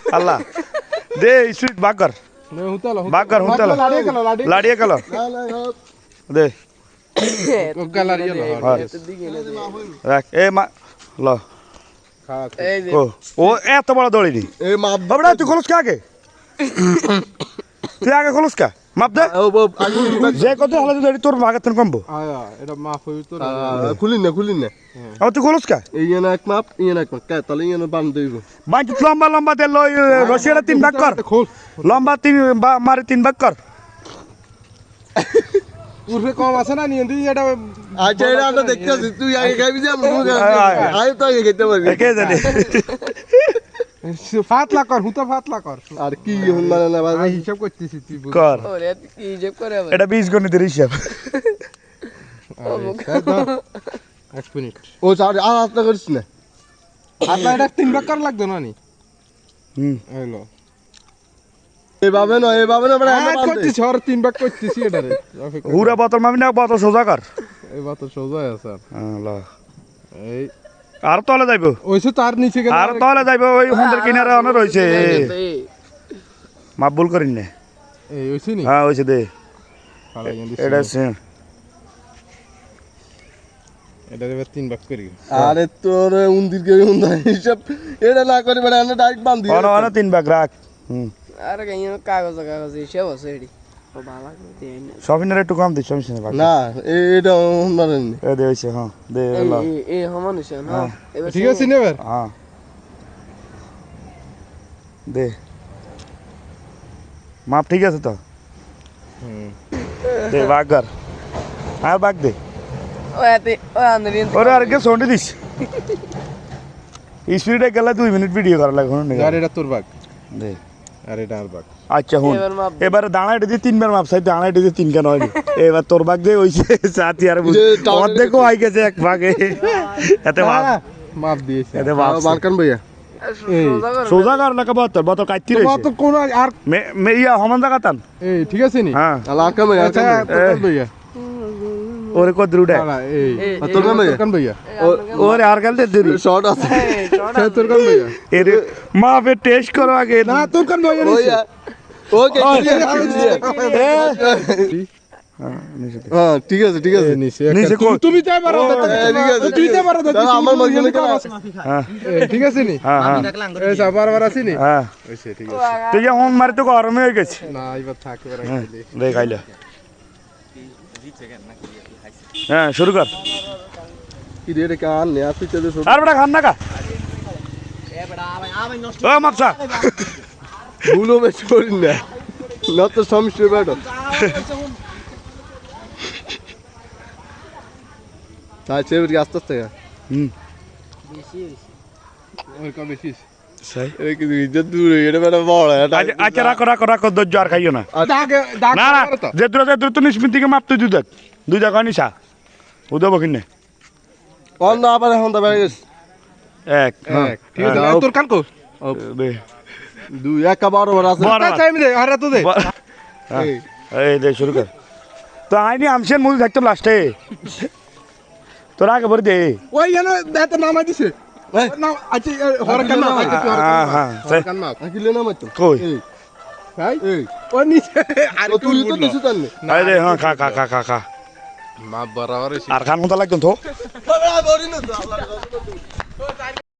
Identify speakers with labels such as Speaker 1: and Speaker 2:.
Speaker 1: আল্লাহ দে sweet বাকর বাকর হুতালো লাড়িয়ে গেল দে রাখ এ মা ল ও এত বড় দড়ি বাবড়া তুই খোলস কে আগে তুই আগে খোলস কা মাপ দে যে কত হলে দড়ি তোর ভাগের থেকে কমবো
Speaker 2: এটা মাপ হই তো
Speaker 3: খুলিন না
Speaker 1: আমার তুই খোলস কা
Speaker 3: ইয়ে না এক মাপ কে তাহলে ইয়ে বান দেব
Speaker 1: বাঁচ লম্বা লম্বা দে লই রশিটা 3 ভাগ কর লম্বা 3 মারে 3 ভাগ কর
Speaker 2: উর্ফে কম আছে না নিয়ে দিই এটা
Speaker 3: আচ্ছা এটা আমরা দেখতেছি তুই আগে খাবি যে আয় তো আগে খেতে পারবি
Speaker 1: কে জানে
Speaker 2: ফাতলা কর হুতা ফাতলা কর
Speaker 3: আর কি মানে না
Speaker 2: আমি হিসাব করতেছি তুই
Speaker 1: কর
Speaker 4: ওরে কি হিসাব করে আবার
Speaker 1: এটা 20 গণিতের হিসাব
Speaker 2: 1 মিনিট
Speaker 3: ও আর আস্তে করিস না
Speaker 2: আপনার এটা 3 ভাগ করা লাগতো না নি হলো
Speaker 3: এভাবে না বড় আমরা
Speaker 2: করতেছি আর 3 ভাগ করতেছি এটারে
Speaker 1: হুরা বোতল মামি না বোতল সোজা কর
Speaker 2: এই বাত সোজা আছে
Speaker 1: ল
Speaker 2: এই
Speaker 1: আর তলে যাইবো
Speaker 2: ওইসে তার নিচে গেল
Speaker 1: আর তলে যাইবো ওই হুন্দের কিনারে অনে রইছে মাপ ভুল করিন না
Speaker 2: এই ওইসে নি
Speaker 1: হ্যাঁ হইছে দে
Speaker 2: ফালা গেন্দি
Speaker 1: এটা সেম
Speaker 2: এটা এবার 3 ভাগ করি
Speaker 3: আরে তোর উন্দির কে উন্দা হিসাব এটা না করে বড় আমরা ডাইরেক্ট বান দিই
Speaker 1: অনে অনে 3 ভাগ রাখ
Speaker 4: আরে কাই কাগজ হিসাব আছে এডি ও ভালো করে দেন
Speaker 1: সফিনের একটু কম দিস সফিনের ভাগ
Speaker 3: না এটা মানেন
Speaker 1: এ দে হইছে হ্যাঁ দে ল
Speaker 4: এই সমান হইছে না এবার
Speaker 2: ঠিক আছে নি এবার
Speaker 1: হ্যাঁ দে মাপ ঠিক আছে তো দে ভাগ কর আর ভাগ দে
Speaker 4: ও এতে ও আন্দরিন
Speaker 1: ওরে আর কে সন্ডে দিস স্পিডে গেলে 2 মিনিট ভিডিও করা লাগে হন
Speaker 2: আর এটা তোর ভাগ
Speaker 1: দে
Speaker 2: আর এটা আর ভাগ
Speaker 1: আচ্ছা হুন
Speaker 4: এবার মাপ দে।
Speaker 1: এবারে দাঁড়াইতে দিয়ে 3 বার মাপ চাই দাঁড়াইতে দিয়ে 3 কেন হয়নি এবার তোর ভাগ দে হইছে সাথী আর অর্ধেকও আই গেছে এক ভাগে এতে মাপ
Speaker 2: মাপ দিয়েছে
Speaker 1: এতে মাপ
Speaker 3: বালকান ভাইয়া
Speaker 4: সোজা করে
Speaker 1: সোজা কর না বোতল বোতল কাটতি
Speaker 2: তো
Speaker 1: রইছে
Speaker 2: তো কোন আর
Speaker 1: মে ইয়া হমান জায়গা তান
Speaker 2: এই ঠিক আছে নি
Speaker 1: হ্যাঁ
Speaker 3: আর কাম ভাইয়া
Speaker 2: আচ্ছা তোর ভাইয়া
Speaker 1: ওরে কো দ্রুডে
Speaker 2: না এই
Speaker 3: তোর কাম ভাইয়া
Speaker 2: কান ভাইয়া
Speaker 1: ওরে আর গেলতে দেরি
Speaker 3: শর্ট আছে
Speaker 2: তোর কান ভাইয়া
Speaker 1: এর মাপে টেস্ট করো আগে
Speaker 2: না তোর কান ভাইয়া
Speaker 3: ওইয়া ওকে হ্যাঁ ঠিক আছে
Speaker 2: নিচে
Speaker 1: নিচে কই?
Speaker 2: তুমি তাই পারো
Speaker 3: ঠিক আছে
Speaker 2: তুই তাই পারো
Speaker 3: দাদা আমার মনে কেন
Speaker 1: হ্যাঁ
Speaker 2: ঠিক আছে নি
Speaker 1: হ্যাঁ হ্যাঁ
Speaker 2: এই যা বারবার আসি নি
Speaker 1: হ্যাঁ
Speaker 2: ওইসে ঠিক আছে
Speaker 1: তুই যে হন মারি তো গরম হয়ে গেছে
Speaker 2: না এবার থাকবে
Speaker 1: হ্যাঁ
Speaker 2: রাখলি
Speaker 1: দে খাইলে হ্যাঁ শুরু কর
Speaker 3: কি রে কান নে আসি চলে
Speaker 1: আর বড় খান না কা ও মাপসা
Speaker 3: ভুলো মে छोड़ না না তো সমস্যা বেটা তাই চেবরি আস্তে আস্তে
Speaker 1: হুম
Speaker 4: বেশি হইছে
Speaker 2: ওর কম বেশি
Speaker 1: সাই
Speaker 3: এই কি ইজ্জত দূর এটা বেটা বড় এটা
Speaker 1: আচ্ছা রাখো ধৈর্য আর খাইও না
Speaker 2: দাগ দাগ
Speaker 1: না না যে দূর তো নিসমিন থেকে মাপতে দুই দেখ নিসা উদব কিনে
Speaker 3: অন্য আবার এখন তো বেড়ে গেছে
Speaker 1: এক হ্যাঁ
Speaker 2: ঠিক আছে তোর কান কো
Speaker 1: দে
Speaker 3: দুই এক বড় বড় আছে
Speaker 1: বড়
Speaker 2: টাইম দে আর তো দে
Speaker 3: এই
Speaker 1: এই দে শুরু কর তো আইনি আমসেন মুই থাকতাম লাস্টে তোর আগে ভরে দে
Speaker 2: ওই জানো দাতে নামা দিছে না আচ্ছা হর কান না
Speaker 1: হ্যাঁ হ্যাঁ
Speaker 2: কান মা
Speaker 3: আকিলে না মাত্র
Speaker 1: কই
Speaker 3: এই
Speaker 2: ভাই
Speaker 3: এই
Speaker 2: ও নিচে আর
Speaker 3: ও তুই তো দিছিস তানে
Speaker 1: আই দে হ্যাঁ খা
Speaker 2: মা বরাবর
Speaker 1: আর খান মতো লাগতো তো
Speaker 3: বাবা বড়ি না তো